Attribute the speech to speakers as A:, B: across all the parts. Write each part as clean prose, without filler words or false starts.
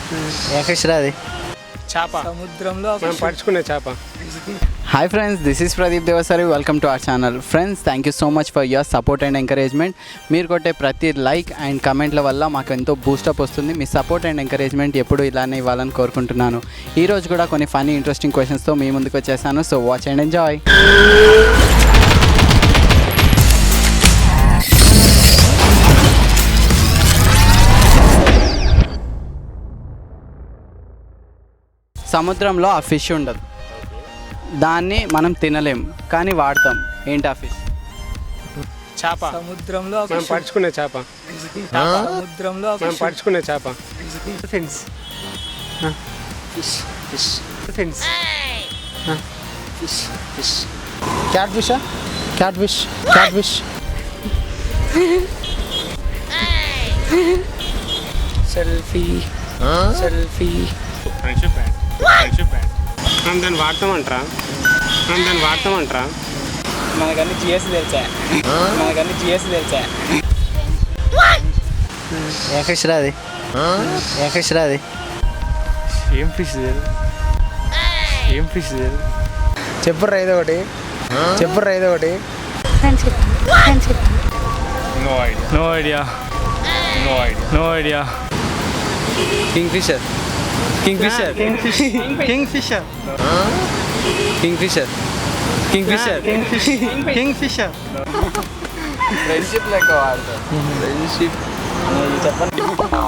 A: ఏ fish రా అది?
B: చేప.
C: సముద్రంలో
B: మనం పడుచుకునే చేప.
A: Hi friends, this is Pradeep Devasari. Welcome to our channel. Friends, thank you so much for your support and encouragement. మీరు కొట్టే ప్రతి లైక్ అండ్ కమెంట్ల వల్ల మాకు ఎంతో బూస్టప్ వస్తుంది. మీ సపోర్ట్ అండ్ ఎంకరేజ్మెంట్ ఎప్పుడు ఇలానే ఇవ్వాలని కోరుకుంటున్నాను. ఈరోజు కూడా కొన్ని ఫన్నీ ఇంట్రెస్టింగ్ క్వశ్చన్స్తో మీ ముందుకు వచ్చేసాను. So watch and enjoy. సముద్రంలో ఆ ఫిష్ ఉండదు, దాన్ని మనం తినలేం కానీ వాడతాం. ఏంటి ఆ ఫిష్?
B: చేప.
C: సముద్రంలో
B: మనం పడుచుకునే చేప.
C: సముద్రంలో
B: మనం పడుచుకునే చేప.
A: Fins. Fish fish fins. Fish fish.
C: Cat ఫిషా? Cat fish. Cat fish. Selfie. Selfie.
B: Friendship band. Friendship band. మనం దాన్ని వాడతామంటారా?
C: మనకన్నీ జిఎస్ తెలుసా?
A: ఏ ఫిష్ రా అది? ఏ ఫిష్ రా అది?
B: ఏం ఫిష్ లేదు.
C: చెప్పుర్రా ఏదో ఒకటి.
B: No idea.
A: Kingfisher. Friendship లెక్క వాడతారు. ఫ్రెండ్షిప్ చెప్పండి.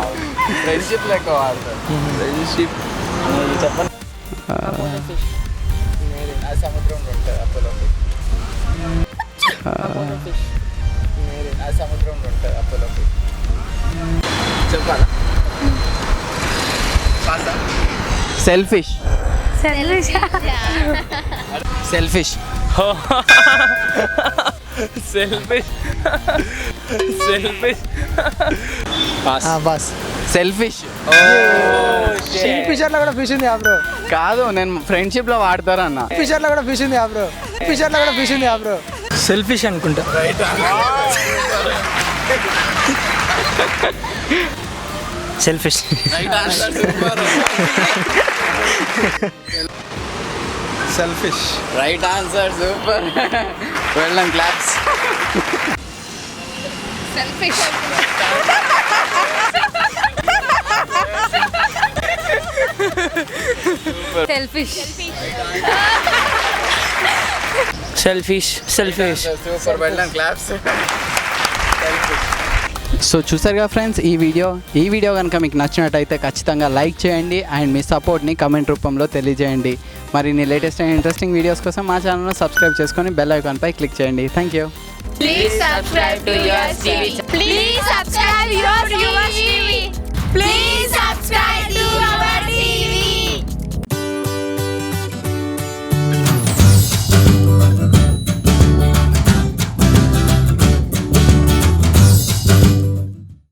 A: సముద్రంలో ఉంటుంది అపోలో. సముద్రంలో ఉంటుంది అపోలో. చెప్పాలా? సెల్ఫిష్. సెల్ఫిష్.
C: బస్.
A: సెల్ఫిష్
C: ఫిషర్లో కూడా ఫిష్ ఉంది బ్రో.
A: కాదు, నేను ఫ్రెండ్షిప్ లో వాడతారన్న.
C: ఫిషర్లో కూడా ఫిష్ ఉంది బ్రో. సెల్ఫిష్ అనుకుంటా. Selfish. Selfish.
A: Right answer, super. Well done, claps.
D: Selfish.
A: Super, well done, claps. So చూసారుగా ఫ్రెండ్స్, ఈ వీడియో కనుక మీకు నచ్చినట్టయితే ఖచ్చితంగా లైక్ చేయండి అండ్ మీ సపోర్ట్ని కమెంట్ రూపంలో తెలియజేయండి. మరిన్ని లేటెస్ట్ అండ్ ఇంట్రెస్టింగ్ వీడియోస్ కోసం మా ఛానల్ను సబ్స్క్రైబ్ చేసుకొని బెల్ ఐకాన్పై క్లిక్ చేయండి. Thank you.
D: Please subscribe to Yours TV.